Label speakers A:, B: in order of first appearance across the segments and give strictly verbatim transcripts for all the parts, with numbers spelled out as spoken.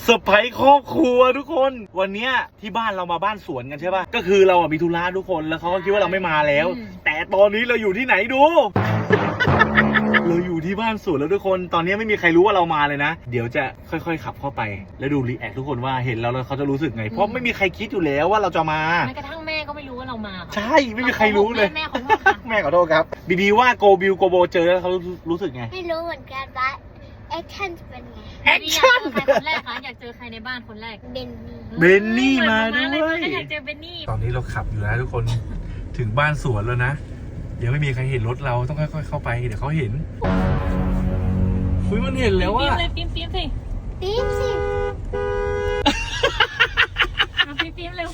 A: เซอร์ไพรส์ครอบครัวทุกคนวันเนี้ยที่บ้านเรามาบ้านสวนกันใช่ป่ะก็คือเราอ่ะมีธุระทุกคนแล้วเขาก็คิดว่าเราไม่มาแล้วแต่ตอนนี้เราอยู่ที่ไหนดู เราอยู่ที่บ้านสวนแล้วทุกคนตอนนี้ไม่มีใครรู้ว่าเรามาเลยนะเดี๋ยวจะค่อยๆขับเข้าไปแล้วดูรีแอคทุกคนว่าเห็นเราแล้วเขาจะรู้สึกไงเพราะไม่มีใครคิดอยู่แล้วว่าเราจะมา
B: แม้กระทั่งแม่ก็ไม่รู้ว่าเรามา
A: ใช่ไม่มีใครรู้เลย
B: แม่ขอโทษค่ะ
A: แม่ขอโทษครับบีบีว่าโกบิวโกโบเจอแล้วเขารู้สึกไง
C: ไม่รู้เหมือนกันว่าแอคชั่นจะเป็นไง
A: แอคชั่น
B: ใครคนแรกคะอยากเจอใครในบ้านคนแรก
C: เบนนี่
A: เบนนี่มาด้วย
B: อยากเจอเบนนี่
A: ตอนนี้เราขับอยู่นะทุกคนถึงบ้านสวนแล้วนะเดี๋ยวไม่มีใครเห็นรถเราต้องค่อยๆเข้าไปเดี๋ยวเขาเห็นคุยมันเห็นแล้วว่า
B: ปิ๊มปิ๊มสิ
C: ปิ๊มสิ
B: ปิ๊มปิ๊มเร็ว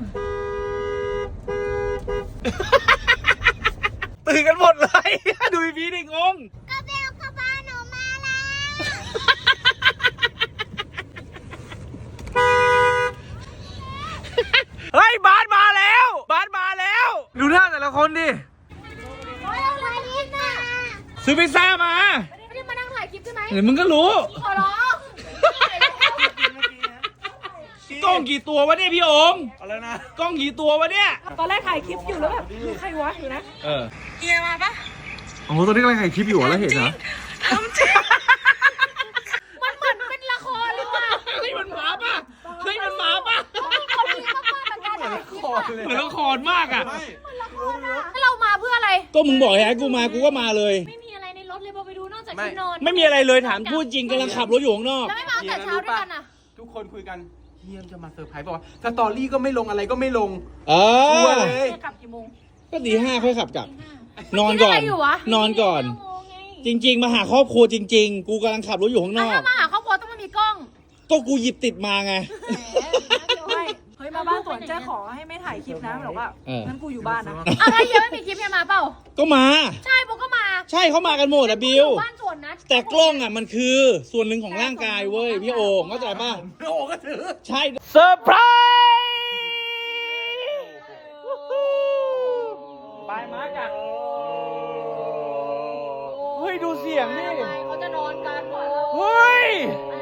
A: ตื่นกันหมดเลยดูพี่ดิงง
C: ก็เบลกับบ้านหนูมาแล้ว
A: เฮ้ยบาสมาแล้วบาสมาแล้วดูหน้าแต่ละคนดิซื้อพิซซ่ามา
B: ไม่ได้มานั่งถ่ายคลิปใช่ไหม
A: เดี๋ยวมึงก็รู้
B: ขอร้อง
A: กล้องกี่ตัววะเนี่ยพี่โอมอะไรนะกล้องกี่ตัววะเนี่ย
B: ตอนแรกถ่ายคลิปอยู่แล้วแบบใครวะอยู่นะ
A: เออ
B: เฮียมาปะ
A: โอ้ตอนนี้กำลังถ่ายคลิปอยู่แล้วเห็นเหรอ
B: ทำจริงมันเหมือนเป็นละครเลยว่ะ
A: เฮ้ยมันหมาป่ะเฮ้ยมันหมาป่ะ
B: คนนี้มากๆการถ่ายคลิปอะ
A: เหมือนละครมากอ่ะ
B: ถ้าเรามาเพื่ออะไร
A: ก็มึงบอกให้กูมากูก็มาเลย
B: ไม่มีอะไรในรถเลยพอไปดูนอกจากที่นอน
A: ไม่มีอะไรเลยถามพูดจริงกำลังขับรถอยู่ข้างนอก
B: แล้วไม่มาแต่เช้าด้วยกันอ่ะ
D: ทุกคนคุยกันเฮียมจะมาเซอร์ไพรส์บอกว่าสตอรี่ก็ไม่ลงอะไรก็ไม่ลง
A: เออ
D: เลย
B: กลับกี่โมง
A: ก็ตีห้าค่อยขับกลับนอนก่อนนอนก่อนจริงๆมาหาครอบครัวจริงๆกูกำลังขับรถอยู่ข้างนอก
B: ถ้ามาหาครอบครัวต้องมามีกล้อง
A: ก็กูหยิบติดมาไง
E: เฮ้ยมาบ้านสวนเจ๊ขอให้ไม่ถ่ายคลิปนะบอกว่างั้นกูอยู่บ้านนะ
B: อ้าวถ้าเยอะไม่มีคลิปยังมาเปล่า
A: ก็มา
B: ใช่โบก็มา
A: ใช่เขามากันหมดอะบิว
B: บ้านสวนนะ
A: แต่กล้องอะมันคือส่วนหนึ่งของร่างกายเว้ยพี่โอ่งเข้าใจป่ะ
D: พี่โอ่งก็ถือ
A: ใช่เซอร์ไพรส์บายมาจัดเฮ้ยดูเสียงดิ
B: เขาจะนอนกันก่อน
A: เฮ้ย
B: อะไร